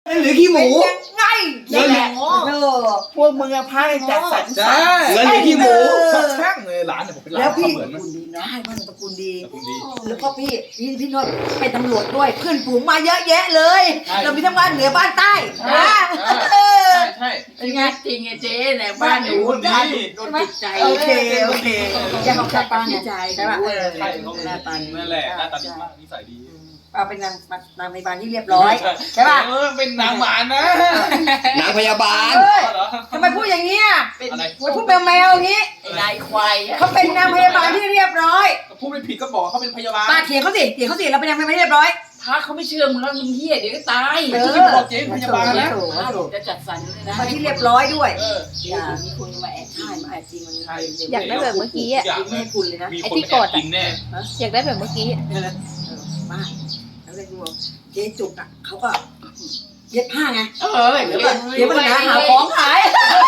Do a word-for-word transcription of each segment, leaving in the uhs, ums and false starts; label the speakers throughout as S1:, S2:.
S1: หรือขี้หมู
S2: ไงนี่แหละเออพวกมึงอะพาจัดสรร
S1: ใช่เงินหรือขี้หมู
S3: ช่างเลยร้านเนี่ยผมเป็นร้าน
S2: แล้วพี่
S3: เหมือน
S2: ตระกูลดีนะใช่บ้านตระกูลดี
S3: ตระกูลดี
S2: แล้วก็พี่พี่พี่โนนเป็นตำรวจด้วยเพื่อนฝูงมาเยอะแยะเลยเรามีทั้งบ้านเหนือบ้านใต้นะเออ
S3: ใช่
S2: เป็นไง
S4: จริงไงเจ๊เนี่ยบ้านหนูบ้านหนูโดนจิตใจ
S2: โอเคโอเคจะของจัดปาใจใช่ป่ะเออ
S3: ใช่เขาหน้าตานั่นแหละหน้าตาดีมากนิสัยดี
S2: เอาเป็นนางนางพยาบาลที่เรียบร้อยใช่ป่ะ
S3: เออเป็นนางหมานะ
S1: นางพยาบาล
S2: เฮ้ย
S3: เหรอ
S2: ทำไมพูดอย่างนี้อ่ะ
S3: อะไร
S2: พูดแมวแมวอย่างนี้
S4: นายควาย
S2: เขาเป็นนางพยาบาลที่เรียบร้อย
S3: พูดไม่ผิดก็บอกเขาเป็นพยาบาล
S2: ป้าเถียงเขาสิเถียงเขาสิเราเป็นนางพยาบาลที่เรียบร้อย
S4: พระเขาไม่เชื่อมึงแล้วมึงเฮียเดี๋ยวก็ตาย
S3: ไม่ใช่บอกเจ๊พยาบาลนะ
S4: พระบอกจะจัดสรรเลยนะ
S2: มาที่เรียบร้อยด้วย
S3: เออ
S2: อย่ามีคนมาแอบถ่ายมาแอบจริงมัน
S3: ใช่
S5: อยากได้แบบเมื่อกี้อ่ะ
S2: ไม่ให้คุณเลยนะ
S3: มีคนไปแอบกินแน่
S5: อยากได้แบบเมื่อกี้
S2: เออป้าแล้วเลยดูเจ๊จุกอ่ะเขาก็เย็บผ้าไง
S4: เออ
S2: เดี๋ยวก่อนเดี๋ยวมันหาหาของขาย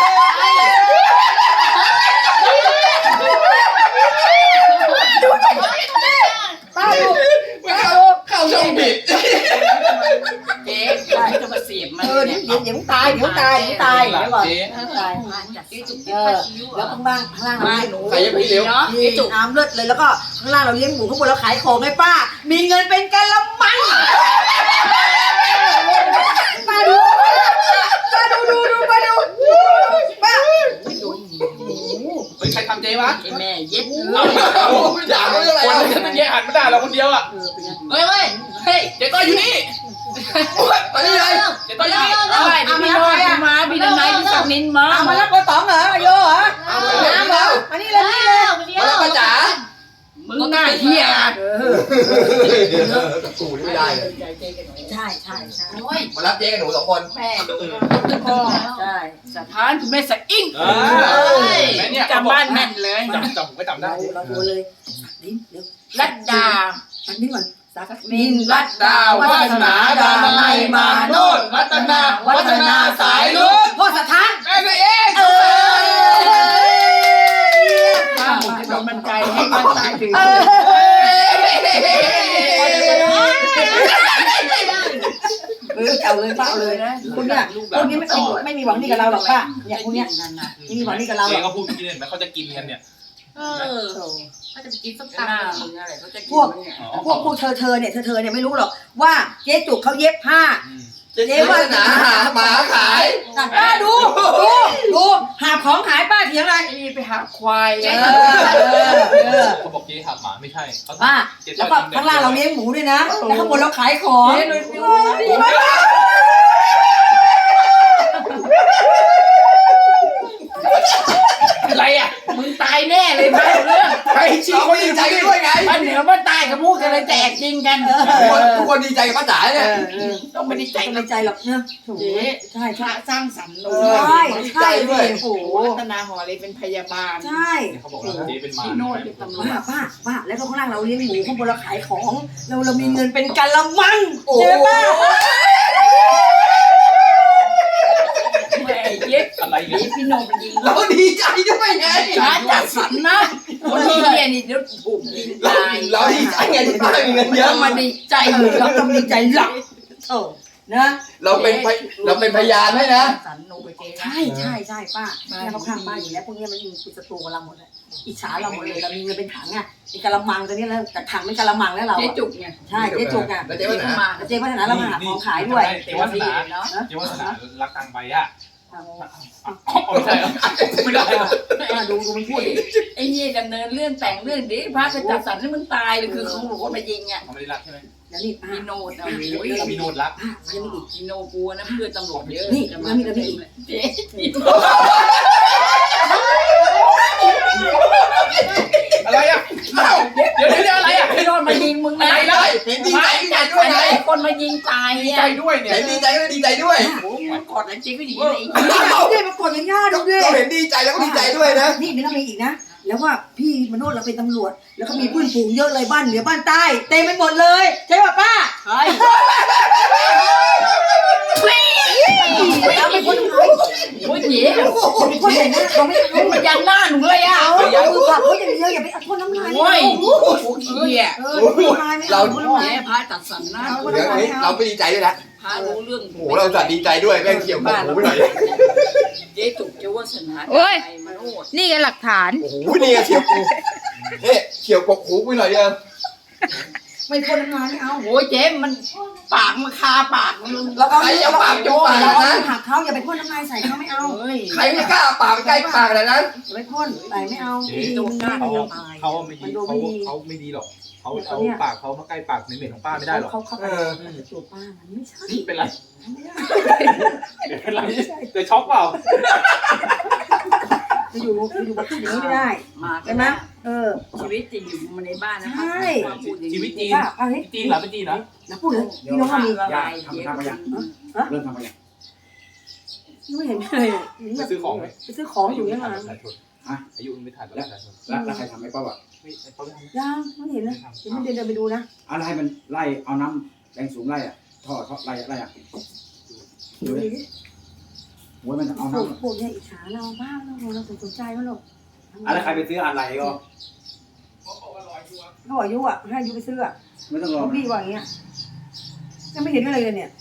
S2: ป้าดูป้าดู
S1: เข้าช่องผิด
S4: เจ๊จะมาเสียบมัน
S2: เออเดี๋ยวเดี๋ยวเดี๋ยวตายเดี๋ยวตายเดี๋ยวตายเดี๋ยวก่อน
S3: เจ๊
S2: ตาย
S4: จัดเจ๊จุก
S2: เออแล้วข้างล่างข้างล่างเรา
S4: มา
S2: เลี้ยง
S4: หนู
S2: หมู
S1: ใครจะไปเร็ว
S4: เนาะ
S2: นี่จุกน้ำเลือดเลยแล้วก็ข้างล่างเราเลี้ยงหมูข้างบนเราขายของไงป้า มีเงินเป็นกะละมังป้าดูป้าดูดูดูป้าดูป้า
S3: เฮ้ยใครทำเจ๊วะ
S4: ไอ้แม่เย็ด
S3: เอาไม่ด่าเรื่องอะไรคนจะเป็นแย่หันมาด่าเราคนเดียวอ่ะ
S2: เออเป็นไง
S4: เฮ้ยเฮ้ยเฮ้ย
S3: เจ๊ต้อยอยู่นี่
S1: มานี่เลย
S3: เจ๊ต้อยอยู่นี่
S4: เอาไปพี่โนนมาพี่ดนายพี่สักนินมา
S2: เอามารับกระต๋องเหรอโยเหรอน้ำเหรอมานี่เลยนี่เลย
S1: มาแล้วป้าจ๋า
S4: มึงหน้าเฮีย
S2: เออ
S1: กูนี่ไม่ได้เลย
S2: ใช่ใช่ใช่
S4: โอ้ย
S1: มารับเจ๊กับหนูสองคน
S4: แม่
S2: พ่อใช่
S4: สถานคุณแม่สะอิ่ง
S3: เออแม่เนี่ย
S4: จำบ้านแม่นเลย
S3: จำจำผมก็จำได้
S2: เราเราดูเลยดิ้นเดี๋ยว
S4: รัดดา
S2: อันนี้ก่อนสัก
S4: นินรัดดา
S3: วัฒนาดานัยมาโนดวัฒนาวัฒนาสายลุก
S2: พ่อสถาน
S3: แม่ตัวเอง
S2: เออ
S4: ถ้าผมจะโดนบันใจให้มันตายถึง
S2: เออเก่าเลยป้าเลยนะคุณเนี่ยคุณนี้ไม่ไม่ไม่มีหวังดีกับเราหรอกป้าเนี่ยคุณเนี่ยไม่มีหวังดีกับเราหร
S3: เจ๊
S2: อก
S3: ก็พูดกินเห็นไหมเขาจะกินกันเนี่ย
S4: เออเขาจะไปกินส้มตำมึงอะไรเขาจะกิน
S2: พวกพวกพวกเธอเธอเนี่ยเธอเธอเนี่ยไม่รู้หรอกว่าเจ๊จุกเขาเย็บผ้า
S1: เจ๊วาสนาหาหมาขาย
S2: ป้าดูดูดูหาของขายป้าเถียงอะไร
S4: ไอ้นี่ไปหาควาย
S2: เออเออเออ
S3: เขาบอกเจ๊หักหมาไม่ใช่เขา
S2: ป้าแล้วก็ข้างล่างเราเลี้ยงหมูด้วยนะแล้วข้างบนเราขายของ
S3: อะไรอ่ะ
S4: มึงตายแน่เลยพันเรื่อง
S1: ใครชี้เขาดีใจด้วยไง
S4: พันเหนือมันตายกับพูดกันเลยแตกจริงกัน
S1: ทุกคนทุกคนดีใจกับป้าจ๋าเนี่ย
S4: ต้องไม่ได้ใจ
S2: ไม่ใจหรอกเนอะ
S4: เจ๊
S2: ใช่
S4: พระ
S2: ใช่
S4: สร้างสรรค์หนู
S2: ใช่ใช่ดิโอ้โห
S4: รัตนาหอเลยเป็นพยาบาล
S2: ใช่
S3: เขาบอกว่าเจ๊เป็นหมา
S4: พี่โนดเป็นตำรวจ
S2: ป้าป้าป้าแล้วก็ข้างล่างเราเลี้ยงหมูข้างบนเราขายของเราเรามีเงินเป็นกะละมังเจ๊ป้า
S4: แม่เย็ด
S3: อะไร
S4: นี่
S3: เนี่ย
S4: พี่โนดมันยิง
S1: เราดีใจด้วยไง
S4: พระจัดสรรนะคนที่เรียนนี่เดี๋ยวถูกยิง
S1: เรา
S4: ตาย
S1: เราดีใจไงที่ป้ามีเงินเย
S4: เย
S1: อะ
S4: อะมาดีใจ
S2: เราต้องดีใจหลักโอ้นะ
S1: เราเป็นพยเราเป็นพยานให้นะ
S4: สรรหนูไปเจ๊
S2: ใช่ใช่ใช่ป้าเนี่ยเขาข้างป้าอยู่แล้วพวกนี้มันมีศัตรูกับเราหมดเลยอิจฉาเราหมดเลยเรามีเงินเป็นถังอ่ะเป็นกะละมังตอนนี้แล้วแต่ถังเป็นกะละมังแล้วเรา
S4: เจ๊จุกเนี่ย
S2: ใช่เจ๊จุกอ่ะ
S1: แล้วเจ๊วาสนา
S4: มา
S2: เจ๊พัฒนาเรามาหาของขายด้วย
S3: เจ๊วาสนา
S4: เนาะ
S3: เจ๊วาสนารักตังใบอ่ะไม่ใช่หรอไม่ได้
S2: ดูดูมันพูดดิ
S4: ไอ้นี่ดำเนินเรื่องแต่งเรื่องดิพระจะจัดสรรให้มึงตายเลยคือเขาบอกว่ามายิงอ่ะ
S3: เขาไม่ได้รักใช่ไหม
S2: แล้วนี่ป้า
S4: พี่โนดนะโอ้ย
S3: มีโนดรัก
S2: ป้ายังมีอีก
S4: พี่โนกลัวนะเพื่อนตำรวจเยอะ
S2: นี่แล้วมีแล้วมีอีก
S4: เจ๊
S3: อะไรอ่ะเดี๋ยวเดี๋ยวอะไรอ่ะ
S4: พี่โนดมายิงมึงนะ
S3: อะไรเลย
S1: เห็นดีใจดีใจด้วยไง
S4: คนมายิงตาย
S3: ดี
S4: เนี่ย
S3: ใจด้วยเนี่ย
S1: เห็นดีใจก็ดีใจด้วย
S4: โอ้โหมันกอดแล้วจริงก็อย่างนี้เลย
S2: นี่มากดอย่างง่ายดูดิ
S1: เราเห็นดีใจแล้วก็ดีใจด้วยนะ
S2: นี่นี่ก็มีอีกนะ แล้วว่าพี่มโนดเราเป็นตำรวจ แล้วก็มีเพื่อนฝูงเยอะเลยบ้านเหนือบ้านใต้เต็มไปหมดเลยใช่ป่ะป้า
S4: เฮ้ย
S2: เราเป็นคนไทย
S4: โอ้ยเจ๊
S2: คนคนไหนนะเขาไม่เอา
S4: มันยันหน้าหนูเลยอ่ะ
S2: เอาอย่ามือผักเขาอย่างเดียวอย่าไปเอาคนน้ำลาย
S4: โอ้ยโอ้ยเหี้ย
S2: เออน้ำลายไม่เอาน้ำลาย
S4: เจ๊พระจัดสรรนะ
S2: เอาคน
S1: เดี๋ยว
S2: น้ำลาย
S1: นี้
S2: ไม่
S1: เรา
S2: เอา
S1: ไม่ดีใจด้วยนะ
S4: พระรู้เรื่อง
S1: โอ้โหเราจัดดีใจด้วยแม่งเขียวกบหูไปหน่อย
S4: เจ๊จุกเจ้าวาสนา
S5: โอ้ย
S4: ใจมโนด
S5: นี่ไงหลักฐาน
S1: โอ้โหนี่ไงเขียวกูเฮ้เขียวกบหูไปหน่อยเดียว
S2: ไม่พ่นน้ำลายไม่เอา
S4: โอ้ยเจ๊มันปากมันคาปากมัน
S2: เราเอา
S1: ใครจะปากจุ๊บปาก
S2: เรา
S1: นะ
S2: เอาหักเขาอย่าไปพ่นน้ำลายใส่เขาไม่เอา
S4: เฮ้ย
S1: ใครไม่กล้าปากใกล้ปากขนาดนั้น
S2: อย่าไปพ่นใส่ไม่เอา
S3: เจ๊
S2: ดีมัน
S3: เขา
S2: ไม่ตาย
S3: เขาไม่ดีเขาเขาไม่ดีหรอกเขาเอาปากเขามาใกล้ปากเหม็นๆของป้าไม่ได้หรอก
S2: เขาเขา
S1: เออ
S2: ตัวป้ามันไม่ใช่
S3: เป็นไรเดี๋ยวเป็นไรเดี๋ยวช็อกเปล่า
S2: จะอยู่จะอยู่กับพูดอย่างนี้ไม่ได้
S4: มา
S2: ใช่ไหมเออ
S4: ชีวิตจริงอยู่มาในบ้านนะ
S2: ใช่
S3: ชีวิตจีน
S2: ป้าเอาให้
S3: จีนเหรอเป็นจีนเหรอ
S2: นะพูดเลยพี่น้องก็มี
S4: ละ
S6: ย่า
S4: ลาย
S6: ทำ
S4: เจ๊
S6: ทำไปยัง
S2: ฮะ
S6: เริ่มทำไปยัง
S2: ไม่เห็นเลย
S3: ไปซื้อของไหม
S2: ไปซื้อของอยู่ยังไง
S3: อายุมันไม่ทันแล้ว
S6: แล้วแล้วใครทำให้ป้าอ่ะ
S3: ไม่เขาไม่ทำ
S2: ยังไม่เห็นเลยเดี๋ยวไม่เดินเดินไปดูนะ
S6: อะไรมันไล่เอาน้ำแรงสูงไล่อ่ะท่อท่อไล่ไล่อ่ะดูดิโว้ยมันเอา
S2: ปลูก
S6: น้ำ
S2: ปลูกเนี่ยอิจฉาเราบ้างเราเราสนใจมันหรอก
S6: อะไรใครไปซื้ออะไรก็
S2: เขาบอกยุอ่ะให้ยุไปซื้ออ่ะ
S6: ไม่ต้องรอ
S2: เขาพี่ว่าอย่างเงี้ยยังไม่เห็นอะไรเลยเนี่ย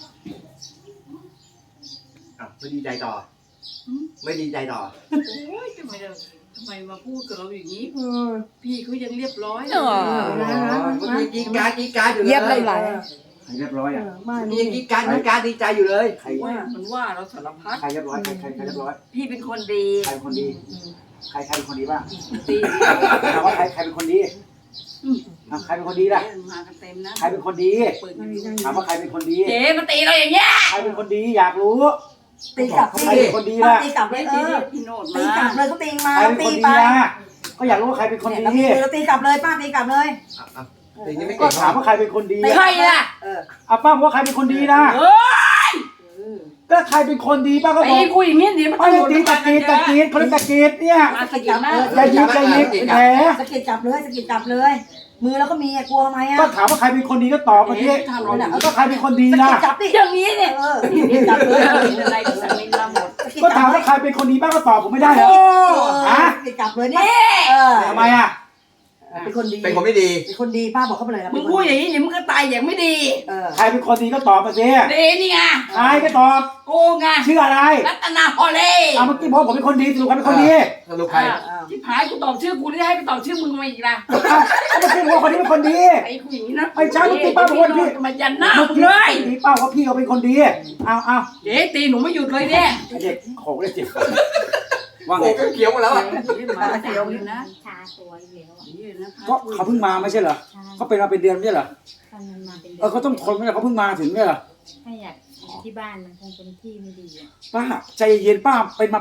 S1: อ่ะไม่ดีใจต่อ ไม่ดีใจต่อ
S4: โอ้ยทำไมเราทำไมมาพูดกับเราอย่างนี้
S2: เออ
S4: พี่เขายังเรียบร้อย
S5: เออ
S2: นะนะ
S1: เมื่อกี้กีการกีการอยู่เลย
S5: เย็บน้ำลาย
S6: ใครเรียบร้อย
S2: เอ
S6: อ่ะ
S2: อบ้าน
S1: มี
S2: นี่
S1: กีการกีการดีใจอยู่เลย
S6: ใคร
S4: ว่ามันว่าเราสารพัด
S6: ใครเรียบร้อยใครใครใครเรียบร้อย
S4: พี่เป็นคนดี
S6: ใครเป็นคนดีใครใครเป็นคนดีบ้าง
S4: ตี
S6: ถามว่าใครใครเป็นคนดีอ่ะใครเป็นคนดีล่ะ
S4: มากันเต็มนะ
S6: ใครเป็นคนดี
S4: ปืน
S6: ถามว่าใครเป็นคนดี
S4: เจ๊มาตีเราอย่างเงี้ย
S6: ใครเป็นคนดีอยากรู้
S2: ตีกลับ
S6: ใครเป็นคนดีล่ะ
S2: ตีกลับเลยเออ
S4: พี่โนด
S2: ตี
S4: มาก
S2: ลับเลยเขาตีมา
S6: ใครเป็น
S2: ตี
S6: คนดี
S2: ไป
S6: ล่ะก็อยากรู้ว่าใครเป็นคน
S2: เนี่ย
S6: ดี
S2: เราตีกลับเลยป้าตีกลับเลย
S1: อ่ะอ่ะตีนี้ไม่
S6: ก็
S1: เก่ง
S6: ถามว่าใครเป็นคนดี
S4: ใครล่ะ
S2: เออ
S6: อ่ะป้าบอกว่าใครเป็นคนดีนะ
S4: เฮ้ย
S6: ก็ใครเป็นคนดีป้าก็บ
S4: ตี
S6: อก
S4: กูอย่างนี้เดี๋ยวมัน
S6: ป้าจะตีตะกีดตะกีดเขาเรียกตะกีดเนี่ย
S4: มาสกิดหน้า
S6: อย่ายิงอย่ายิงเป็นแผล
S2: สะกิดจับเลยสะกิดจับเลย มือเราก็มีอะกลัวทำไมอะ
S6: ก็ถามว่าใครเป็นคนดีก็ตอบมาที
S4: ทำเรา
S6: แล้วก็ใครเป็นคนดี
S2: สะ
S6: นะ
S2: กิดจับดิ
S4: อย่างนี้เนี่ย
S2: เออสะกิดจับเลย
S4: เป็นอะไรกับสามีเราหมด
S2: สะกิด
S6: ก็
S2: จั
S6: ถาม
S2: บเล
S6: ว่าย ใครเป็นคนดีป้าก็ตอบผมไม่ได้เหรอ
S2: ฮะสะกิดจับเลยนี่เออ
S6: ทำไมอ่ะ
S2: เป็นคนดี
S1: เป็นคนไม่ดี
S2: เป็นคนดีป้าบอกเขาไปเลยนะ
S4: มึงพูดอย่างนี้เดี๋ยวมึงก็ตายอย่างไม่ดี
S2: เออ
S6: ใครเป็นคนดีก็ตอบมาสิ
S4: ดีนี่ไง
S6: ใครก็ตอบ
S4: กูไง
S6: ชื่ออะไร
S4: รัตนาฮอลเล่
S6: เอาเมื่อกี้บอกผมเป็นคนดีสรุปใครเป็นคนดี
S1: สรุปใคร
S4: ที่ผายกูตอบชื่อกูได้ให้ไปตอบชื่อมึงมาอีกนะ
S6: ก็เมื่อกี้บอกว่าคนนี้เป็นคนดี
S4: ไอ้กูอย่างนี้นะ
S6: ไม่ใช่เมื่อกี้ป้าบอกว่าพี่
S4: มายันหน้า
S6: เมื่อ
S4: มึง
S6: กี้
S4: เลย
S6: พี่ป้าว่าพี่เขาเป็นคนดีเอาเอา
S4: เจ๊ตีหนูไม่หยุดเลยเนี่ย
S6: ไอ้เด็กโขกเลยเจ็บว่าไง
S1: โอ้ก็เขียวหมดแล้วอ่ะ
S4: มาเดียวนะ
S7: ชาตัวอยู่แล้วอะ
S4: นี่นะ
S6: ก็เขาเพิ่งมาไม่ใช่เหรอ
S7: ใช่
S6: เขาเป็นมาเป็นเดือนไม่ใช่เหรอ
S7: ตอนมันมาเป็น
S6: เออเขาต้องทนไม่ใช่เขาเพิ่งมาถึงไม่ใช่เหรอ
S7: ถ้าอยากอยู่ที่บ้านมันคงเป็นที่ไม่ดีอะ
S6: ป้าใจเย็นป้าเป็นมา